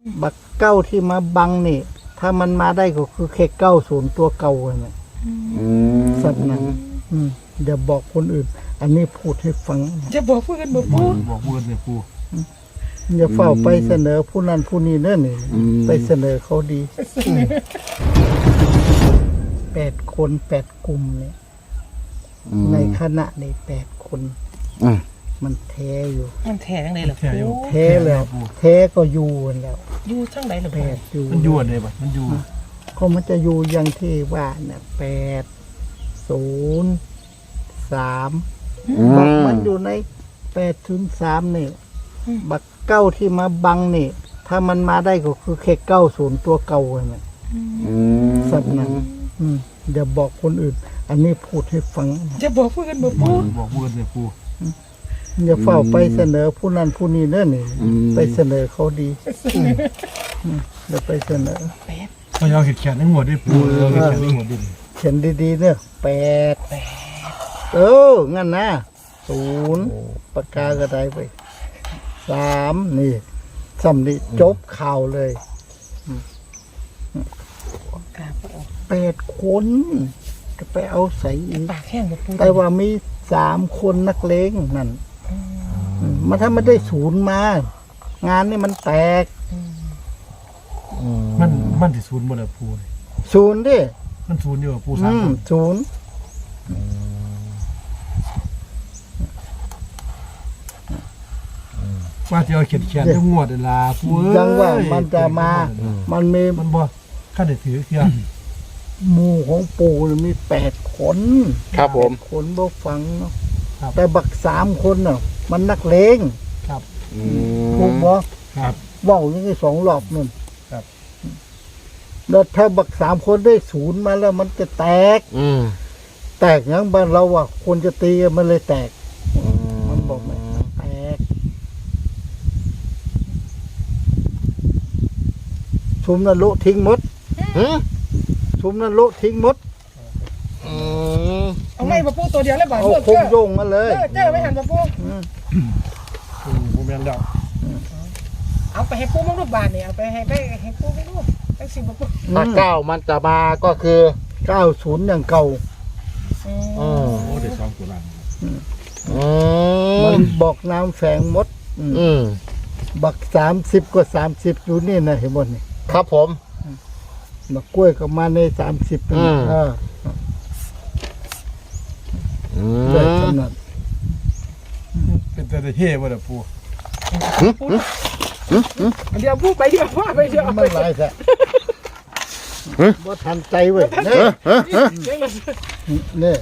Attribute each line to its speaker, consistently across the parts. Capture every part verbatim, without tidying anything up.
Speaker 1: บักเก้าที่มาบังนี่ถ้ามันมาได้ก็คือแค่เก้าศูนย์ตัวเก่าเลยสัตว์นั้นเดี๋ยวบอกคนอื่นอันนี้พูดให้ฟัง
Speaker 2: จะบอกเพื่อนบอกพูด
Speaker 3: บอกเพื่อนเนี่ยปู
Speaker 1: อย่าเฝ้าไปเสนอผู้นั้นผู้นี้เนั่นนี่ไปเสนอเขาดีแปดคนแปดกลุ่มเนี่ยในคณะในแปดคนมันแท้อยู่
Speaker 2: มันแท้ทั้งไหนล่ะปู
Speaker 1: แท้แล้วแท้ก็อยู่แล้ว
Speaker 2: อยู่ทั้งไหนล่ะ
Speaker 1: แปดอยู่
Speaker 3: มันอยู่อะไรบ้างมันอยู่
Speaker 1: ก็มันจะอยู่อย่างที่ว่าเนี่ยแปดศูนย์สามบักมันอยู่ในแปดศูนย์สามนี่บักเก้าที่มาบังนี่ถ้ามันมาได้ก็คือแค่เก้าศูนย์ตัวเก่าเลยสัตว์นั้นเดี๋ยวบอกคนอื่นอันนี้พูดให้ฟัง
Speaker 2: จะบอกเพื่อนบอกพูด
Speaker 3: บอกเพื่อนเนี่ยปู
Speaker 1: อย่าเฝ้าไปเสนอผู้นั้นผู้นี้เนั่นนี่ไปเสนอเขาดีเดี๋ยวไปเสนอ
Speaker 3: เขาเอาเห็ดแขนทั้งหมดด้วยปูเอาเห็ดแขนทั้งหมดดิ
Speaker 1: เขียนดีๆเนี่ยแปดเอองั้นนะศูนย์ปากกากระไดไปสามนี่สำนีจบข่าวเลยแปดคนจะไปเอาใส่อีกแต่ว่ามีสามคนนักเลงนั่นมันถ้าไม่ได้ศูนย์มางานนี่มันแตก
Speaker 3: มันมันที่ศูนย์หมดเลยปู
Speaker 1: ศูนย์ดิ
Speaker 3: มันศูนย์อยู่ปูสาม
Speaker 1: ศูนย์
Speaker 3: ว่าจะเอาเขียนเขียนทั้งหมดเวลาปู
Speaker 1: ยังว่ามันจะมามันมี
Speaker 3: มันบ่ข้าได้ถือเขียน
Speaker 1: หมู่ของปู่มีแปดคน
Speaker 3: ครับผม
Speaker 1: คนบ่ฟังเนาะแต่บักสามคนเนาะมันนักเลง
Speaker 3: ครับ
Speaker 1: ถูกบ่
Speaker 3: ครับ
Speaker 1: ว่าวยังไงสองรอบนั่นครับแล้วถ้าบักสามคนได้ศูนย์มาแล้วมันจะแตกแตกอย่างบ้านเราอ่ะคนจะตีมันเลยแตกมันบอกไหมแตกชุมนรกทิ้งหมดชุมนรกทิ้งหมด
Speaker 2: เอาไม่มาปูตัวเดียวแล้วบ่
Speaker 1: เอาคงโยงมาเลย
Speaker 2: เจ้าไม่หันมาปู
Speaker 3: ปูแม่นแล้ว
Speaker 2: เอาไปให้ปูมั่งรูปบานเนี่ยเอาไปให้ไปให้ปูมั่งรูปตั้งสิบปู
Speaker 4: ถ้าเก้ามันจะมาก็คือ
Speaker 1: เก้าศูนย์อย่างเก่า
Speaker 3: อ๋อเดี๋ยวสองตัวล่าง
Speaker 1: มันบอกน้ำแฝงมดบักสามสิบกว่าสามสิบอยู่นี่นะเห็นหมดนี่
Speaker 4: ครับผม
Speaker 1: บักกล้วยก็มาในสามสิบปีเออได้ขนาด
Speaker 3: เป็นแต่เฮ่บ่ล่ะปู
Speaker 2: เดี๋ยวปูไปเดี๋ยวว่าไปเดี๋ยว
Speaker 1: ไม่ไรแท้บ่ทันใจเว้ยเนี่ย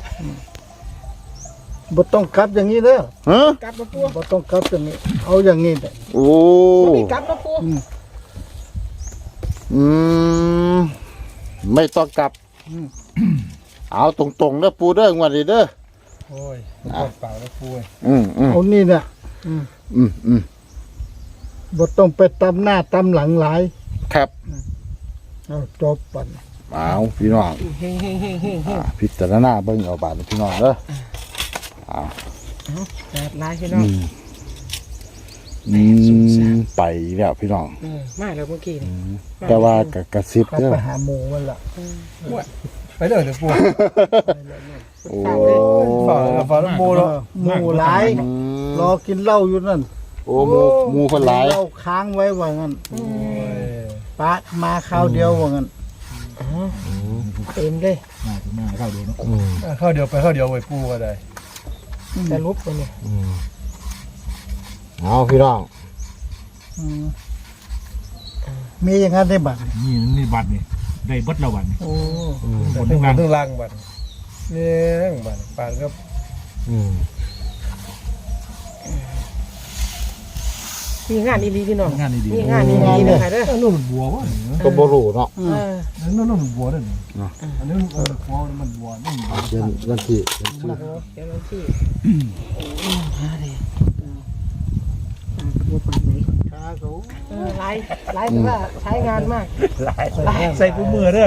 Speaker 1: บ่ต้องกลับอย่างนี้เด้อกลับมาปูบ่ต้องกลับอย่างนี้เอาอย่างนี้ได้
Speaker 4: โอ้
Speaker 2: ไม่กลับมาปู
Speaker 4: อืมไม่ต้องกลับเอาตรงๆเด้อปูเด้องวดนี้เด้อ
Speaker 3: โอ้ยเปล่าแล้วปู
Speaker 4: อืม
Speaker 1: เอานี่เนี่ย
Speaker 4: อืมอืมอืม
Speaker 1: บ่ต้องไปตำหน้าตำหลังหลาย
Speaker 4: ครับ
Speaker 1: เอาจบปัน
Speaker 4: เอาพี่น้องพิจารณาเบิ่งเอาบาดพี่น้องเด้อเอา
Speaker 2: แปดลายพี่น้อง
Speaker 4: อืมไปแล้วพี่น้อง
Speaker 2: ไม่แล้วเมื่อกี้
Speaker 4: แต่ว่ากระซิบ
Speaker 1: เด้อไปหาหมูมันละ
Speaker 3: ไปเด้อเดี๋ยวปู
Speaker 4: โอ้
Speaker 3: ฝ่าฝ่าหมูแล้ว
Speaker 1: หมูหลายรอกินเหล้าอยู่นั่น
Speaker 4: โอ้หมูหมูคนหลาย
Speaker 1: เหล้าค้างไว้ว่างั้นปะมาข้าวเดียวว่างั้น
Speaker 2: เต็มเลย
Speaker 3: มาข้าวเดียวเนาะข้าวเดียวไปข้าวเดียวไว้ปูก็ได้
Speaker 2: แต่ลุกไปเนี่ย
Speaker 4: เอาพี่น้อง
Speaker 1: มีอย่างนั้นได้บัตร
Speaker 3: นี่นี่บัตรนี่ได้บัตรละวัน
Speaker 1: โอ้
Speaker 3: บนทั้งล่างทั้งล่างบัตรเนี่ยบัตรปานก็
Speaker 2: มีงานดีๆพี่น้อง
Speaker 3: งานดี
Speaker 2: มีงานดีๆนะคะเด้อ
Speaker 3: นู่นบัววะ
Speaker 4: ก็บ่รู้เนาะ
Speaker 3: นั่นนู่นบัวเด้ออันนี้บัวมันบัวนี่
Speaker 4: เดือนวันที่
Speaker 2: เดือนวันที่ฮะดิบัวปันไหนช้าเขาไล่ไล่แต่ว่าใช้งานมาก
Speaker 3: ไล่ใส่ปูมือเด้อ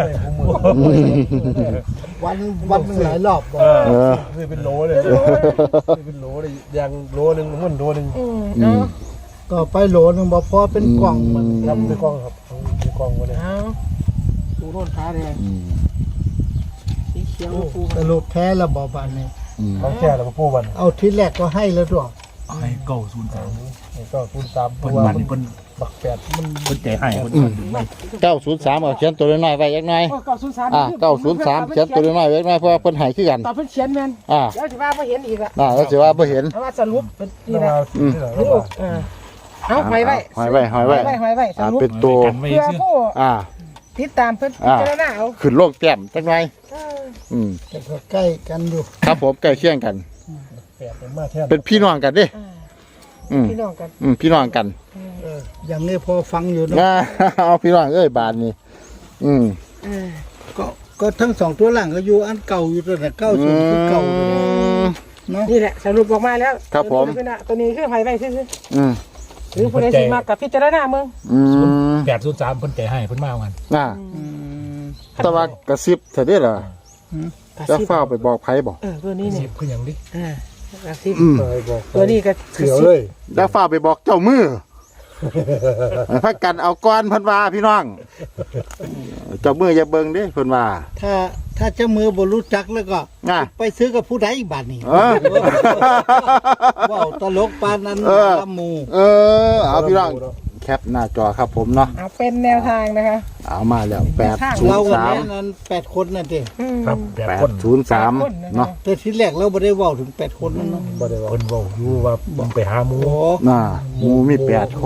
Speaker 1: วันวันหนึ่งหลายรอบ
Speaker 3: เออคือเป็นโลเลยเป็นโลเลยยางโลนึงมันโลนึง
Speaker 1: ต่อไปโหลนึงบ่พอเป็นกล่องมัน
Speaker 3: ครับในกล้องครับในกล้องมาเลย
Speaker 2: เอาปูโน่นฟ้าแดง
Speaker 4: อืม
Speaker 2: สีเขียวปู
Speaker 1: สรุปแท้แล้วบ่บานนี้
Speaker 4: อืม
Speaker 3: ของแก่แล้วมาพูดวัน
Speaker 1: เอาที่แรกก็ให้แล้วด้วย
Speaker 5: ให้เก้าศูนย์สาม
Speaker 3: นี่ก็คูณสาม
Speaker 5: เพิ่น
Speaker 3: ตัว
Speaker 5: มัน
Speaker 3: มัน
Speaker 5: เพิ่น
Speaker 3: บักแปดมัน
Speaker 5: เพิ่นใจให้เพิ่น
Speaker 4: อืมเก้าศูนย์สามเอาเขียนตัวน้อยๆไว้ยักหน่อย
Speaker 2: โอ้เก้าศูนย์สาม
Speaker 4: อ่าเก้าศูนย์สามเขียนตัวน้อยๆไว้ยักหน่อยเพราะว่าเพิ่นให้คือกัน
Speaker 2: ตอนเพิ่นเขียนแม่น
Speaker 4: อ่า
Speaker 2: เดี๋ยวสิว่าบ่เห็นอีกอะ
Speaker 4: น่าแล้วสิว่าบ่เห็น
Speaker 2: เอาว่าสรุปเป็นนี่
Speaker 3: นี่
Speaker 2: นะ
Speaker 3: นะที่ไหน
Speaker 2: ลู
Speaker 3: วะ
Speaker 2: กเออเอาหอยไว้
Speaker 4: หอยไว้หอยไว้
Speaker 2: หอยไว้ส
Speaker 4: อ่า
Speaker 2: รุป
Speaker 4: เป็นตัว
Speaker 5: กันไว้
Speaker 2: เพื่อ
Speaker 5: ซื่อ
Speaker 2: ผู้
Speaker 4: อ่า
Speaker 2: ติดตามเพิ่น
Speaker 4: อ่า
Speaker 2: พิจารณาเอา
Speaker 4: ขึ้นโลกแต้มจักหน่อย
Speaker 2: เออ
Speaker 4: อืม
Speaker 1: แต่ก็ใกล้กันอยู่
Speaker 4: ครับผมใกล้เคียงกัน
Speaker 3: แปดเป็นมาแท้
Speaker 4: เป็นพี่น้องกันเด้
Speaker 2: อ่า
Speaker 4: อืม
Speaker 2: พี่น้องกัน
Speaker 4: อืมพี่น้องกัน
Speaker 1: เอออย่างนี้พอฟังอยู่เนอะ
Speaker 4: อ่า เอาพี่น้องเอ้ยบาทนี่อืม
Speaker 2: เออ
Speaker 1: ก็ก็ทั้งสองตัวหลังก็อยู่อันเก่าอยู่แต่เก้าศูนย์คือเก่าเลย
Speaker 4: อืม
Speaker 1: เนาะ
Speaker 2: นี่แหละสรุปออกมาแล้ว
Speaker 4: ครับผม
Speaker 2: ตัวนี้ตัวนี้คือหอยไว้ซื่อ
Speaker 4: อืม
Speaker 2: ๆหรือผู้ใดสิมากับพิจารณาเมือง
Speaker 4: อืม
Speaker 5: แปดศูนย์สามเพิ่นใจให้เพิ่นมาเอากัน
Speaker 4: น่า
Speaker 1: อืม
Speaker 4: แต่ว่ากระซิบเถอะเด้อเหรอจะเฝ้าไปบอกไผบอก
Speaker 2: เออตัวนี้
Speaker 5: สิ
Speaker 2: นี่
Speaker 5: บคือหยังดิ
Speaker 2: อ่ากระซิบ
Speaker 4: อืม
Speaker 3: ไปบอก
Speaker 2: ตัวนี้ก็
Speaker 3: เขียวเลย
Speaker 4: จะเฝ้าไปบอกเจ้ามือให้พักกันเอาก้อนเพิ่นว่าพี่น้อง เจ้ามืออย่าเบิ่งเด้เพิ่นว่า
Speaker 1: ถ้าถ้าเจ้ามือบรู้จักแล้วก็
Speaker 4: น่ะ
Speaker 1: ไปซื้อกับผู้ใดอีกบาทนี่
Speaker 4: เออ
Speaker 1: ว้าวตลกปานนั้น
Speaker 4: เออ
Speaker 1: ลำหมู
Speaker 4: เออ เอาพี่น้องแคปหน้าจอครับผมเนาะ
Speaker 2: เอาเป็นแนวทางนะคะ
Speaker 4: เอามาแล้วแปดศูน
Speaker 1: เรา
Speaker 4: ย์
Speaker 1: วัน
Speaker 4: สาม
Speaker 1: นี้นั้นแปดคนนั่นเอง
Speaker 2: อืม
Speaker 5: ครับแปด
Speaker 4: แป
Speaker 5: ค
Speaker 4: ด
Speaker 5: น
Speaker 4: ศูนย์สามเนาะ
Speaker 1: แต่ทีแรกเราไม่ได้เว่าถึงแปดคนนั่นเนาะ
Speaker 3: บ่ได้ว่า
Speaker 5: เพิ่นเว้าอยู่ว่ามึงไปหาหมู
Speaker 1: โอ้
Speaker 4: น่ะหมูมีแปดคน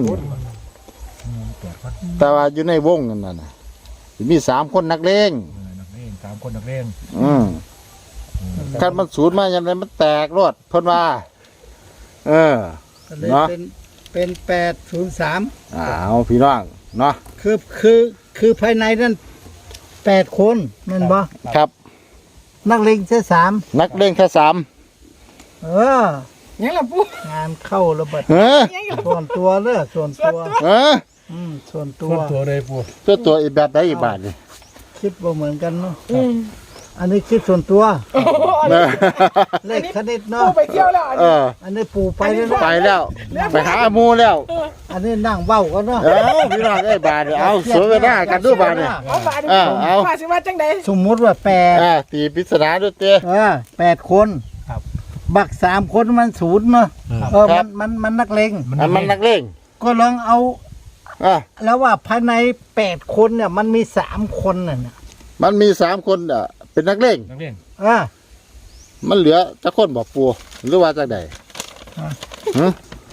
Speaker 4: แต่ว่าอยู่ในวงนั่นน่ะมีสามคนนักเลง
Speaker 5: เออนักเรียนสามคนนักเรียน
Speaker 4: อืมคันมันศูนย์มาอย่างไรมันแตกรวดเพิ่นว่า เออ
Speaker 1: ก็เลย
Speaker 4: เนาะ
Speaker 1: เป็นเป็นแปดศูนย์สาม
Speaker 4: เอาพี่น้องเนาะ
Speaker 1: คือคือคือภายในนั้นแปดคนแมันบ่
Speaker 4: ครับ
Speaker 1: นักเลงแค่สาม
Speaker 4: นักเลงแค่สาม
Speaker 1: เออ
Speaker 2: ยังล่ะปุ๊
Speaker 1: งานเข้าระเบิด
Speaker 4: เออ
Speaker 2: ยังล่ะ
Speaker 1: ส่วนตัวเด้อส่วนตัว
Speaker 4: เออ
Speaker 1: อืมส่วนตั
Speaker 3: ส่
Speaker 1: ว
Speaker 3: วนตัวเลยปู
Speaker 4: ตัวตัวอีกแบบใดอีกบาทนี่
Speaker 1: คิดว่าเหมือนกันเนาะ
Speaker 2: อืม
Speaker 1: อันนี้คิดส่วนตัว
Speaker 2: โอ้โหอัน
Speaker 4: เอ
Speaker 2: นี้
Speaker 4: อ
Speaker 1: เลขคณิต
Speaker 2: ปู
Speaker 1: เนาะ
Speaker 2: ไปเที่ยวแล้วอัน
Speaker 4: เอ
Speaker 2: นี้
Speaker 4: อ
Speaker 1: อันนี้ปู่ไปแล้ว
Speaker 4: ไป
Speaker 1: เนาะ
Speaker 4: แล้ว ไปหาหมูแล้ว
Speaker 1: อันนี้นั่งเว้ากันเนาะ
Speaker 4: เออพี่น้องเอ้ยบาทนี่เอาสวยไปหน้ากันดูบาทนี่
Speaker 2: เอาบาด
Speaker 4: เออเอา
Speaker 2: ว่าสิว่าจังได๋
Speaker 1: สมมุติว่าแปด
Speaker 4: อ่าตีปริศนาด้วยเต้
Speaker 1: เออแปดคน บักสามคนมันศูนย์เนาะเออ
Speaker 4: ครั
Speaker 1: มั
Speaker 4: บ
Speaker 1: นมันมันนักเลง
Speaker 4: อันมันนักเลง
Speaker 1: ก็ลองเอา
Speaker 4: อ่ะ
Speaker 1: แล้วว่าภายในแปดคนเนี่ยมันมีสามคนน่ะนะ
Speaker 4: มันมีสามคนอ่ะเป็นนักเลง
Speaker 5: นักเรียน
Speaker 1: เออ
Speaker 4: มันเหลือจะคนบอกปูหรือว่าจากใด
Speaker 1: อ่ะ
Speaker 4: หึ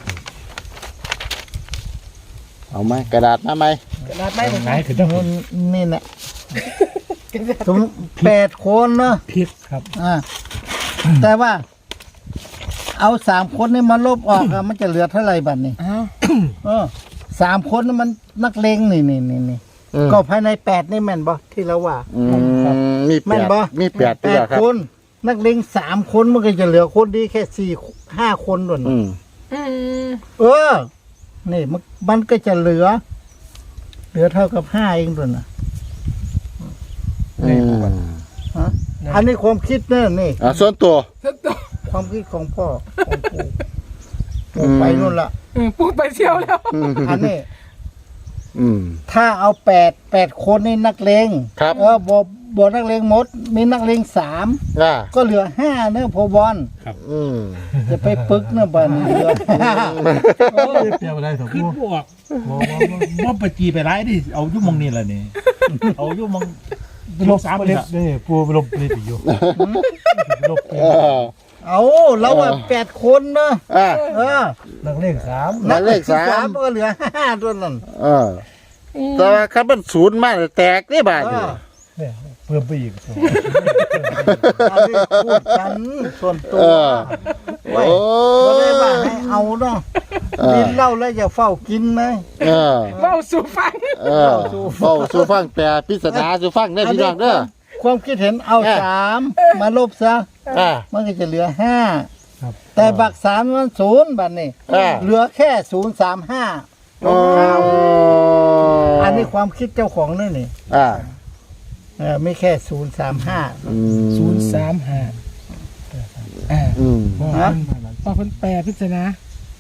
Speaker 4: เอาไหมกระดาษมาไหม
Speaker 2: กระดาษไม้ผม
Speaker 5: ไหนคือต้อง
Speaker 1: มันนี่แหละสมแปดคนเนาะ
Speaker 5: พิษครับ
Speaker 1: อ่าแต่ว่า เอาสามคนนี่มาลบออกอะมันจะเหลือเท่าไหร่บัดนี้
Speaker 2: อ้าว
Speaker 1: เออสามคนนี่มันนักเลงนี่นี่นี่นี่
Speaker 4: อืม
Speaker 1: ก็ภายในแปดนี่แม่นบ่ที่เราว่า
Speaker 4: อืมมีแป
Speaker 1: แม่น
Speaker 4: ด
Speaker 1: บ่
Speaker 4: มีแปด
Speaker 1: แป
Speaker 4: ตัว
Speaker 1: ด
Speaker 4: ครับ
Speaker 1: คน นักเลงสามคนมันก็จะเหลือคนดีแค่สี่ห้าคนด้วย
Speaker 4: อืม
Speaker 2: อืม
Speaker 1: เออ นี่มันมันก็จะเหลือ เหลือเท่ากับห้าเองด้วยนะ
Speaker 4: อืม
Speaker 1: ฮะอันนี้ความคิดเนี่ยนี่
Speaker 4: อ่ะส่วนตัว
Speaker 1: ความคิดของพ่อของปู่
Speaker 4: อื
Speaker 1: ปู่
Speaker 4: ม
Speaker 1: ไปนู่นละ
Speaker 2: อืมปูไปเที่ยวแล้ว
Speaker 4: อืม
Speaker 1: อันนี้
Speaker 4: อืม
Speaker 1: ถ้าเอาแปดแปดคนนี่นักเลง
Speaker 4: ครับ
Speaker 1: เออบอบอนักเลงหมด มีนักเลงสาม
Speaker 4: อ่ะ
Speaker 1: ก็เหลือห้าเนอะพอบอล
Speaker 4: อืม
Speaker 1: จะไปปึกเนอะบันเหลือห้า
Speaker 5: เปรียบอะไรเถอะพูดบอกว่าว่าไปจีไปร้ายดิเอายุ่มองนี่แหละนี่เอายุ่มอง
Speaker 3: ไปลบสามเล็บนี่ปูไปลบเล็บอยู่ไปลบ
Speaker 4: เออ
Speaker 1: เอาเราอะแปดคนเนอะ
Speaker 4: อ่ะ
Speaker 1: เออ
Speaker 3: นักเลขสาม
Speaker 4: หมายเลขสาม
Speaker 1: ก็เหลือห้าตัวนั่น
Speaker 4: เออแต่ว่าคันมันศูนย์มาแตกนี่บาท
Speaker 1: เอ
Speaker 4: นี่
Speaker 1: อ
Speaker 3: เนี่ยเพิ่มไปอีก
Speaker 1: อันนี้พูดกันส่วนตัว
Speaker 4: เออ
Speaker 1: ไว้
Speaker 4: โอ้
Speaker 1: บ่ได้ว่าให้เอาเนาะ
Speaker 4: เออ
Speaker 1: กินเหล้าแล้วอย่าเฝ้ากินไหม
Speaker 4: เออ
Speaker 2: เว้าสู่ฟัง
Speaker 4: เออเฝ้าสู่ฟังแปลปริศนาสู่ฟังได้อพี่น้องเด้อ
Speaker 1: ความคิดเห็นเอา
Speaker 4: เออ
Speaker 1: สามมาลบซะ
Speaker 4: อ่ะ
Speaker 1: มันก็จะเหลือห้า
Speaker 3: ครับ
Speaker 1: แต่บักสามมันศูนย์บัดนี้
Speaker 4: อ่า
Speaker 1: เหลือแค่ศูนย์สามห้า
Speaker 4: อ๋อ
Speaker 1: อันนี้ความคิดเจ้าของนี่นี่
Speaker 4: อ่า
Speaker 1: เออไม่แค่ศูนย์สามห้า
Speaker 4: อืม
Speaker 2: ศูนย์สามห้าอ่า
Speaker 4: อืม
Speaker 1: ฮะ
Speaker 2: พอเพิ่นแปลพิจารณา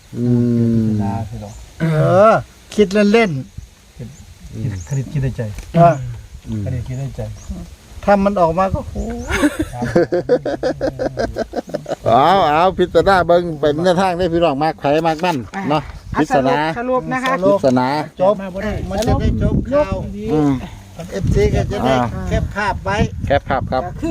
Speaker 4: อืม
Speaker 3: ดาพี่น้อง
Speaker 1: เออ คิดเล่น
Speaker 3: คณิตคิดในใจ
Speaker 1: ๆเออ
Speaker 3: คณิตคิดในใจ
Speaker 1: ถ้ามันออกมาก็โห
Speaker 4: เอาเอาพิจารณาเบิ่งเป็นแนวทางได้พี่น้องมากไผมากมั่นเนาะ
Speaker 2: อ่ะ
Speaker 4: พิจารณา
Speaker 2: สรุปนะคะ
Speaker 4: พิจารณา
Speaker 1: จบมันจะได้จบข่าว
Speaker 4: อืม
Speaker 1: เอฟซีก็จะได้
Speaker 4: อ่า
Speaker 1: แคปภาพไว้
Speaker 4: แคปภาพครับ
Speaker 2: ก็คือ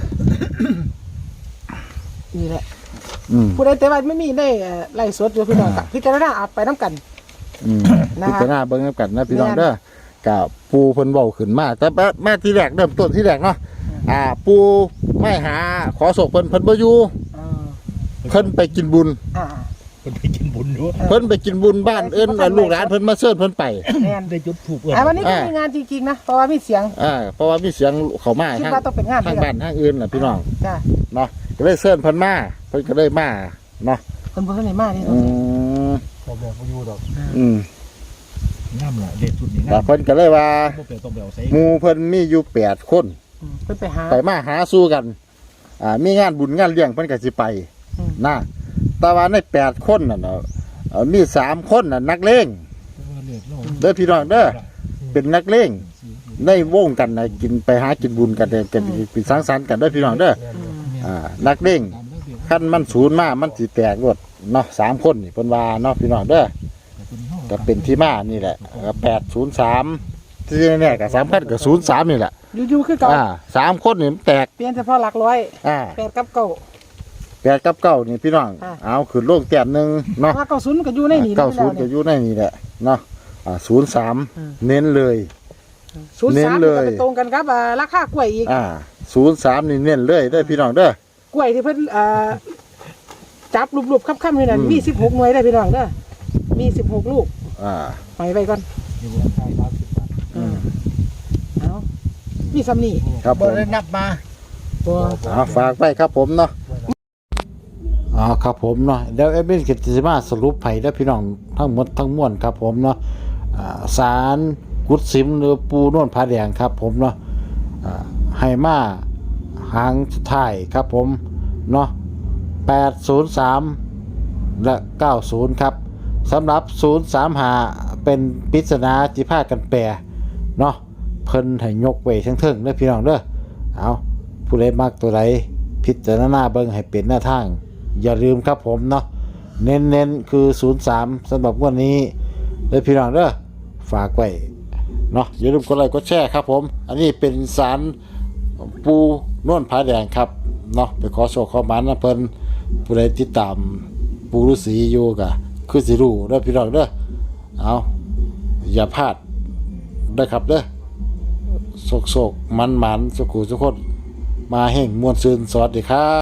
Speaker 2: นี่แหละ
Speaker 4: อืม
Speaker 2: ผู้ใดแต่ว่าไม่มีได้เอ่อไล่สดอยู่พี่น้องกับพิจารณาเอาไปน้ำกัน
Speaker 4: อืม
Speaker 2: นะคะ
Speaker 4: พิจารณาเบิ่งกันนะพี่น้อง
Speaker 2: แม่น
Speaker 4: เด้อกับปูเพิ่นเว้าขึ้นมาแต่แม่ที่แรกเริ่มต้นที่แรกเนาะอ่า ปูไม่หาขอศกเพิ่นเพิ่นบ่อยู่
Speaker 2: อ่า
Speaker 4: เพิ่นไปกินบุญ
Speaker 2: อ่า
Speaker 5: คนไปกินบุญอยู่
Speaker 4: เพิ่นไปกินบุญบ้านเอิ้นว่าลูกหลานเพิ่นมาเชิญเพิ่นไป
Speaker 2: แม่น
Speaker 5: ได้จุดถูกเอิ้น
Speaker 2: อ่าวันนี้ก็
Speaker 4: อ่ามี
Speaker 2: มีงานจริงๆนะเพราะว่ามีเสียง
Speaker 4: อ่าเพราะว่ามีเสียงเข้ามา
Speaker 2: คิด
Speaker 4: ทาง
Speaker 2: ว่าต้องเป็นงาน
Speaker 4: ทาง
Speaker 2: ด้วย
Speaker 4: บ้านทางอื่นน่ะพี่น้อง
Speaker 2: จ้า
Speaker 4: เนาะก็เลยเชิญเพิ่นมาเพิ่นก็เลยมาเนาะ
Speaker 2: คนบ่ทันได้มานี่
Speaker 4: อื
Speaker 2: เนาะ
Speaker 4: ม
Speaker 3: พอแบบบ่อยู่ดอก
Speaker 4: อืม
Speaker 5: งามล่ะเด็ดสุดนี่
Speaker 4: แต่
Speaker 5: งาม
Speaker 4: เพิ่นก็เลยว่า
Speaker 5: บ่เปลี่ยนต้องไปเอาใส่
Speaker 4: หมู่เพิ่นมีอยู่แปดคน
Speaker 2: อืมเพิ่นไปหา
Speaker 4: ไปมาหาสู้กัน อ่า มีงานบุญงานเลี้ยงเพิ่นก็สิไป
Speaker 2: อืม
Speaker 4: นะแต่ว่าในแปดคนน่ะเนาะเอ่อมีสามคนน่ะนักเลง
Speaker 5: เลือดโลก
Speaker 4: เด้อพี่น้องเด้อเป็นนักเลงในวงกันน่ะกินไปหากินบุญกันเด้อกันเป็นสังสรรค์กันเด้อพี่น้องเด้อ
Speaker 2: อืม
Speaker 4: อ่า นักเลงคันมันศูนย์มามันสิแตกรวดเนาะสามคนนี่เพิ่นว่าเนาะพี่น้องเด้อก็เป็นที่มานี่แหละก็แปดศูนย์สามที่แน่ๆก็สามคันก็ศูนย์สามนี่แหละ
Speaker 2: อยู่ๆคือเก่า
Speaker 4: อ่าสามคนนี่มันแตก
Speaker 2: เปลี่ยนเฉพาะหลักร้อย
Speaker 4: อ่า
Speaker 2: แปดกับเก้า
Speaker 4: แปดกับเก้านี่พี่น้อง
Speaker 2: อ่า
Speaker 4: เอาขึ้นโลกแต้มหนึงเนาะ
Speaker 2: มาเก้าศูนย์มันก็อยู่ในนี่
Speaker 4: เก้าศูนย์
Speaker 2: แล้
Speaker 4: ก็
Speaker 2: ว
Speaker 4: อยู่ในนี่แหละเนาะอ่าศูนย์สาม
Speaker 2: อืม
Speaker 4: เน้นเลย
Speaker 2: ศูนย์
Speaker 4: เน้
Speaker 2: สาน ม
Speaker 4: เลย
Speaker 2: ก็ไปตรงกันครับอ่าราคากล้วยอีก
Speaker 4: อ่าศูนย์สามนี่เน้นเลยเด้อพี่น้องเด้อก
Speaker 2: ล้วยที่เพิ่นเอ่อจับรูปๆค่ำๆนี่น่ะ
Speaker 4: อืม
Speaker 2: มีสิบหกหน่วยได้อพี่น้องเด้อมีสิบหกลูก
Speaker 4: อ่า
Speaker 2: หอยไว้ก่อน
Speaker 5: อยู่บนข้าวสามสิบบาท
Speaker 2: อืมเอามีซ้ำนี่
Speaker 4: ครับผ
Speaker 1: บ่
Speaker 4: ม
Speaker 1: ได้นับมา
Speaker 2: ตัว
Speaker 4: อ่าฝากไว้ครับผมเนาะอ๋อครับผมเนาะเดี๋ยวเอฟเอ็นกิตติมาสรุปให้เด้อพี่น้องทั้งหมดทั้งมวลครับผมเนาะอ่าสารกุดสิมหรือปูนวลผาแดงครับผมเนาะอ่าให้มาหางสุดท้ายครับผมเนาะแปดศูนย์สามและเก้าศูนย์ครับสำหรับศูนย์สามหาเป็นปริศนาที่พากันแปรเนาะเพิ่นให้ยกไว้ทั้งเทิงเด้อพี่น้องเด้อเอาผู้ใดมักตัวใดพิจารณาเบิ่งให้เป็นหน้าทาง อย่าลืมครับผมเนาะเน้นๆคือศูนย์สามสำหรับวันนี้เด้อพี่น้องเด้อฝากไว้เนาะอย่าลืมกดไลค์กดแชร์ครับผมอันนี้เป็นสารปูนวลผาแดงครับเนาะไปขอโชคขอหมานนะเพิ่นผู้ใดติดตามปูฤาษีอยู่ก็คือสิรู้เด้อพี่น้องเด้อเอาอย่าพลาดเด้อครับเด้อโศกๆมันๆสุขุสุขคนมาแห่งมวลซืนสวัสดีครับ